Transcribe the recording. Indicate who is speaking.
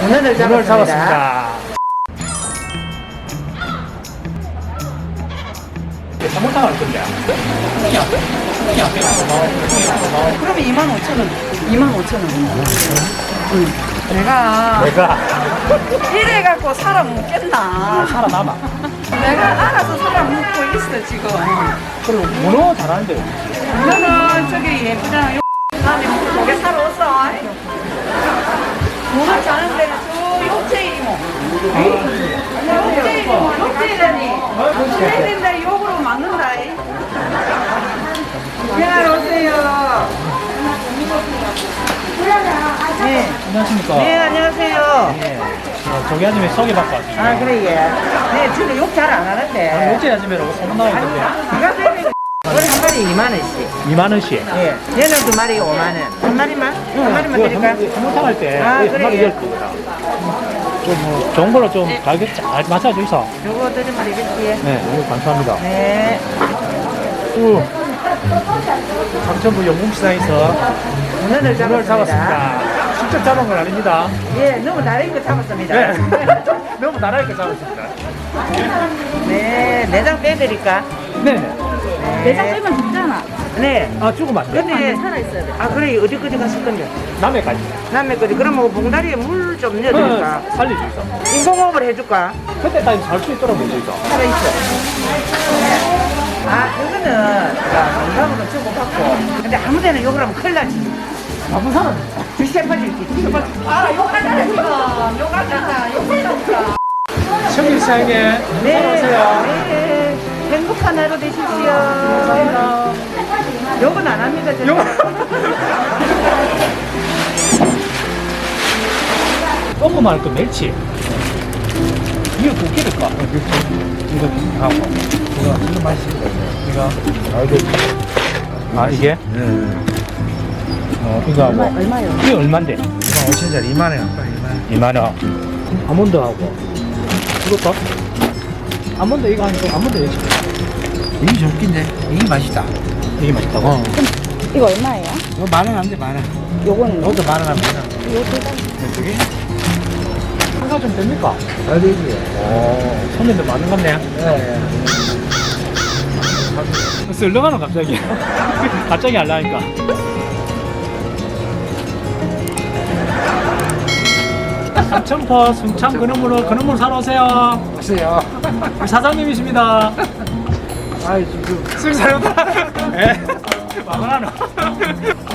Speaker 1: 문어를 잡았습니다.
Speaker 2: 삼계탕 할 건데.
Speaker 1: 그러면 25,000원. 25,000원. 응. 내가 이래갖고 살아먹겠나.
Speaker 2: 살아남아.
Speaker 1: 내가 알아서 살아먹고 있어 지금.
Speaker 2: 그리고 문어 잘하는데.
Speaker 1: 문어는 저기 예쁘잖아. 다음에 고개 사러 왔어. 문어 자는 데는 저 욕제 이모. 욕제 이모. 욕제라니. 욕제 된다 욕으로 맞는다. 네, 오세요. 네.
Speaker 2: 안녕하십니까.
Speaker 1: 네, 안녕하세요.
Speaker 2: 예. 저기 아줌마 소개받고 왔습니다.
Speaker 1: 아, 그래, 예. 네, 저는 욕 잘 안 하는데.
Speaker 2: 어째 아줌마라고 소문나고 있던데.
Speaker 1: 누가 되면 우리 한 마리 2만원씩.
Speaker 2: 2만원씩.
Speaker 1: 예. 얘는 두 마리 5만원. 한 마리만? 한 마리만 드릴까?
Speaker 2: 삼계탕 할 때.
Speaker 1: 아,
Speaker 2: 한
Speaker 1: 그래,
Speaker 2: 마리
Speaker 1: 예.
Speaker 2: 10개다. 좀 좋은 걸로 좀 가격 잘 맞춰주이소.
Speaker 1: 요거 드리면 되겠지?
Speaker 2: 네, 이거 감사합니다.
Speaker 1: 네.
Speaker 2: 삼천부 영웅시장에서
Speaker 1: 문어를
Speaker 2: 문어를
Speaker 1: 잡았습니다.
Speaker 2: 잡았습니다. 직접 잡은 건 아닙니다.
Speaker 1: 예, 너무 다른 거 잡았습니다.
Speaker 2: 네. 너무 나라니까 잡았습니다.
Speaker 1: 네, 내장 빼드릴까?
Speaker 2: 네네.
Speaker 1: 내장 빼면 죽잖아. 네.
Speaker 2: 아, 죽으면 안 돼.
Speaker 1: 근데 살아있어야 돼. 아, 그래, 어디까지 갔을 건데?
Speaker 2: 남해까지.
Speaker 1: 남해까지. 그럼 뭐 봉다리에 물 좀 넣어드릴까?
Speaker 2: 살려주이소.
Speaker 1: 인공호흡을 해줄까?
Speaker 2: 그때까지 살 수 있도록 해주이소.
Speaker 1: 살아있어. 아, 그거는 건강으로 주고받고. 근데 아무 데나 욕을 하면 큰일 나지.
Speaker 2: 나쁜 사람.
Speaker 1: 뒤집어질 게. 아, 욕하잖아, 지금. 욕하잖아. 욕하잖아.
Speaker 2: 청일시장에
Speaker 1: 네.
Speaker 2: 오세요.
Speaker 1: 네. 행복한 하루 되십시오.
Speaker 2: 감사합니다.
Speaker 1: 욕은 안 합니다, 저는.
Speaker 2: 욕. 조그만 그 멸치. 이거 두 개일까? 이거 하고. 이거 맛있습니다. 이거. 아, 이게?
Speaker 3: 네.
Speaker 2: 이거 하고.
Speaker 1: 얼마요?
Speaker 2: 이게 얼만데?
Speaker 3: 5천짜리 2만원 할까?
Speaker 2: 2만원. 아몬드 하고. 이것도? 아몬드 이거 하니까 아몬드 여기.
Speaker 3: 이게 좀 웃긴데 이게 맛있다.
Speaker 2: 되게 맛있다고?
Speaker 4: 이거 얼마예요?
Speaker 3: 이거 10,000원 안 돼, 10,000원.
Speaker 4: 요거는
Speaker 3: 이것도 10,000원 하면 되나?
Speaker 2: 저기? 한가 좀 됩니까?
Speaker 3: 잘 되지.
Speaker 2: 오, 손님들 많은 것 같네.
Speaker 3: 예,
Speaker 2: 썰렁하노, 갑자기. 갑자기 알라니까. 삼천포 순창 근원물로 사러 오세요.
Speaker 3: 오세요.
Speaker 2: 우리 사장님이십니다.
Speaker 3: 아이, 지금.
Speaker 2: 쓱 사려다. 예. 마마하노.